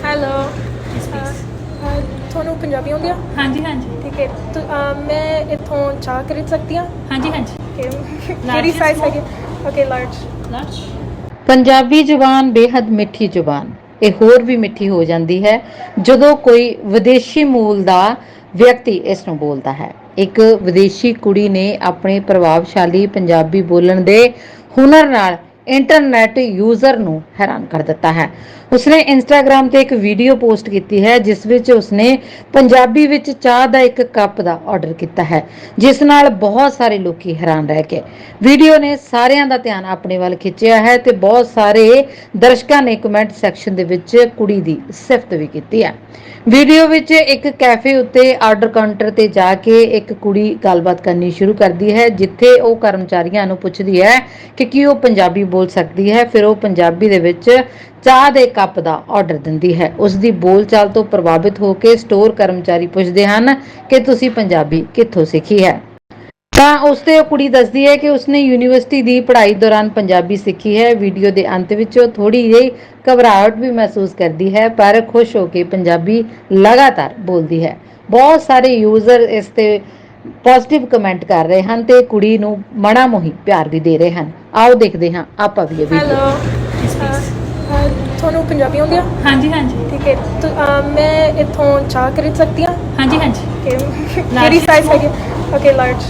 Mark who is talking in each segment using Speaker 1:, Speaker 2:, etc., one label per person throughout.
Speaker 1: Hello ਤੁਹਾਨੂੰ ਪੰਜਾਬੀ ਆਉਂਦੀ ਆ?
Speaker 2: ਹਾਂਜੀ ਹਾਂਜੀ
Speaker 1: ਠੀਕ ਹੈ ਮੈਂ ਇੱਥੋਂ ਚਾਹ ਖਰੀਦ ਸਕਦੀ ਹਾਂ?
Speaker 2: ਹਾਂਜੀ ਹਾਂਜੀ
Speaker 1: ਕਿਹੜੀ ਸਾਈਜ਼ ਹੈਗੀ? Okay large.
Speaker 3: ਪੰਜਾਬੀ ਜ਼ੁਬਾਨ ਬੇहद ਮਿੱਠੀ ਜ਼ੁਬਾਨ ਇਹ ਹੋਰ ਵੀ ਮਿੱਠੀ ਹੋ ਜਾਂਦੀ ਹੈ ਜਦੋਂ ਕੋਈ ਵਿਦੇਸ਼ੀ ਮੂਲ ਦਾ ਵਿਅਕਤੀ ਇਸ ਨੂੰ ਬੋਲਦਾ ਹੈ। ਇੱਕ ਵਿਦੇਸ਼ੀ ਕੁੜੀ ਨੇ ਆਪਣੇ ਪ੍ਰਭਾਵਸ਼ਾਲੀ ਪੰਜਾਬੀ ਬੋਲਣ ਦੇ ਹੁਨਰ ਨਾਲ ਇੰਟਰਨੈਟ ਯੂਜ਼ਰ ਨੂੰ ਹੈਰਾਨ ਕਰ ਦਿੱਤਾ ਹੈ। ਉਸਨੇ ਇੰਸਟਾਗ੍ਰਾਮ ਤੇ ਇੱਕ ਵੀਡੀਓ ਪੋਸਟ ਕੀਤੀ ਹੈ ਜਿਸ ਵਿੱਚ ਉਸਨੇ ਪੰਜਾਬੀ ਵਿੱਚ ਚਾਹ ਦਾ ਇੱਕ ਕੱਪ ਦਾ ਆਰਡਰ ਕੀਤਾ ਹੈ, ਜਿਸ ਨਾਲ ਬਹੁਤ ਸਾਰੇ ਲੋਕੀ ਹੈਰਾਨ ਰਹਿ ਗਏ। ਵੀਡੀਓ ਨੇ ਸਾਰਿਆਂ ਦਾ ਧਿਆਨ ਆਪਣੇ ਵੱਲ ਖਿੱਚਿਆ ਹੈ ਤੇ ਬਹੁਤ ਸਾਰੇ ਦਰਸ਼ਕਾਂ ਨੇ ਕਮੈਂਟ ਸੈਕਸ਼ਨ ਦੇ ਵਿੱਚ ਕੁੜੀ ਦੀ ਸਿਫਤ ਵੀ ਕੀਤੀ ਹੈ। ਵੀਡੀਓ ਵਿੱਚ ਇੱਕ ਕੈਫੇ ਉੱਤੇ ਆਰਡਰ ਕਾਊਂਟਰ ਤੇ ਜਾ ਕੇ ਇੱਕ ਕੁੜੀ ਗੱਲਬਾਤ ਕਰਨੀ ਸ਼ੁਰੂ ਕਰਦੀ ਹੈ, ਜਿੱਥੇ ਉਹ ਕਰਮਚਾਰੀਆਂ ਨੂੰ ਪੁੱਛਦੀ ਹੈ ਕਿ ਕੀ ਉਹ ਪੰਜਾਬੀ ਬੋਲ ਸਕਦੀ ਹੈ। ਫਿਰ ਉਹ ਪੰਜਾਬੀ ਦੇ ਵਿੱਚ ਚਾਹ ਦੇ ਕੱਪ ਦਾ ਆਰਡਰ ਦਿੰਦੀ ਹੈ। ਉਸ ਦੀ ਬੋਲਚਾਲ ਤੋਂ ਪ੍ਰਭਾਵਿਤ ਹੋ ਕੇ ਸਟੋਰ ਕਰਮਚਾਰੀ ਪੁੱਛਦੇ ਹਨ ਕਿ ਤੁਸੀਂ ਪੰਜਾਬੀ ਕਿੱਥੋਂ ਸਿੱਖੀ ਹੈ। ਤਾਂ ਉਸ ਤੇ ਉਹ ਕੁੜੀ ਦੱਸਦੀ ਹੈ ਕਿ ਉਸਨੇ ਯੂਨੀਵਰਸਿਟੀ ਦੀ ਪੜ੍ਹਾਈ ਦੌਰਾਨ ਪੰਜਾਬੀ ਸਿੱਖੀ ਹੈ। ਵੀਡੀਓ ਦੇ ਅੰਤ ਵਿੱਚ ਉਹ ਥੋੜੀ ਜਿਹੀ ਘਬਰਾਹਟ ਵੀ ਮਹਿਸੂਸ ਕਰਦੀ ਹੈ, ਪਰ ਖੁਸ਼ ਹੋ ਕੇ ਪੰਜਾਬੀ ਲਗਾਤਾਰ ਬੋਲਦੀ ਹੈ। ਬਹੁਤ ਸਾਰੇ ਯੂਜ਼ਰ ਇਸ ਤੇ ਪੋਜ਼ਿਟਿਵ ਕਮੈਂਟ ਕਰ ਰਹੇ ਹਨ ਤੇ ਕੁੜੀ ਨੂੰ ਮਣਾ ਮੋਹੀ ਪਿਆਰ ਵੀ ਦੇ ਰਹੇ ਹਨ। ਆਓ ਦੇਖਦੇ ਹਾਂ ਆਪਾਂ ਵੀ ਇਹ ਵੀਡੀਓ।
Speaker 1: ਤੁਹਾਨੂੰ ਪੰਜਾਬੀ ਆਉਂਦੀ ਆ?
Speaker 2: ਹਾਂਜੀ ਹਾਂਜੀ
Speaker 1: ਠੀਕ ਹੈ ਮੈਂ ਇੱਥੋਂ ਚਾਹ ਖਰੀਦ ਸਕਦੀ ਹਾਂ?
Speaker 2: ਹਾਂਜੀ ਹਾਂਜੀ
Speaker 1: ਕਿਹੜੀ ਸਾਈਜ਼ ਹੈਗੀ? Okay large.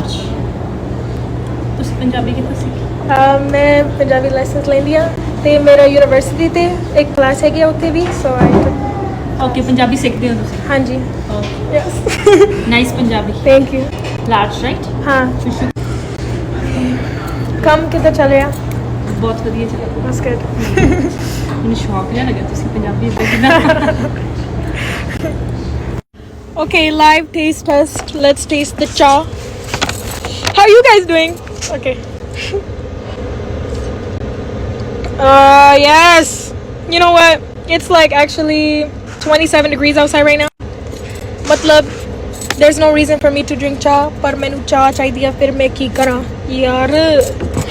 Speaker 2: ਤੁਸੀਂ ਪੰਜਾਬੀ ਕਿੱਥੋਂ ਸਿੱਖੀ?
Speaker 1: ਮੈਂ ਪੰਜਾਬੀ ਲਾਇਸੈਂਸ ਲੈਂਦੀ ਹਾਂ ਤੇ ਮੇਰਾ ਯੂਨੀਵਰਸਿਟੀ ਤੇ ਇੱਕ ਕਲਾਸ ਹੈਗੀ ਆ ਉੱਥੇ ਵੀ, ਸੋ
Speaker 2: ਓਕੇ ਪੰਜਾਬੀ ਸਿੱਖਦੇ ਹੋ ਤੁਸੀਂ?
Speaker 1: ਹਾਂਜੀ।
Speaker 2: Yes nice Punjabi.
Speaker 1: Thank you.
Speaker 2: Large right?
Speaker 1: ਹਾਂ।
Speaker 2: ਸ਼ੁਸ਼ੂ
Speaker 1: ਕੰਮ ਕਿੱਦਾਂ ਚੱਲ ਰਿਹਾ?
Speaker 2: ਬਹੁਤ ਵਧੀਆ ਚੱਲਿਆ।
Speaker 1: ਬਸ ਗੁੱਡ।
Speaker 2: ਮੈਨੂੰ ਸ਼ੌਕ ਜਿਹਾ ਲੱਗਿਆ ਤੁਸੀਂ ਪੰਜਾਬੀ ਇੱਦਾਂ
Speaker 1: Okay, live taste test. Let's taste the cha. How are you guys doing? Okay. Yes. You know what? It's like actually 27 degrees outside right now. Matlab, there's no reason for me to drink cha, par mainu cha chahiye, fir main ki kara? Yaar.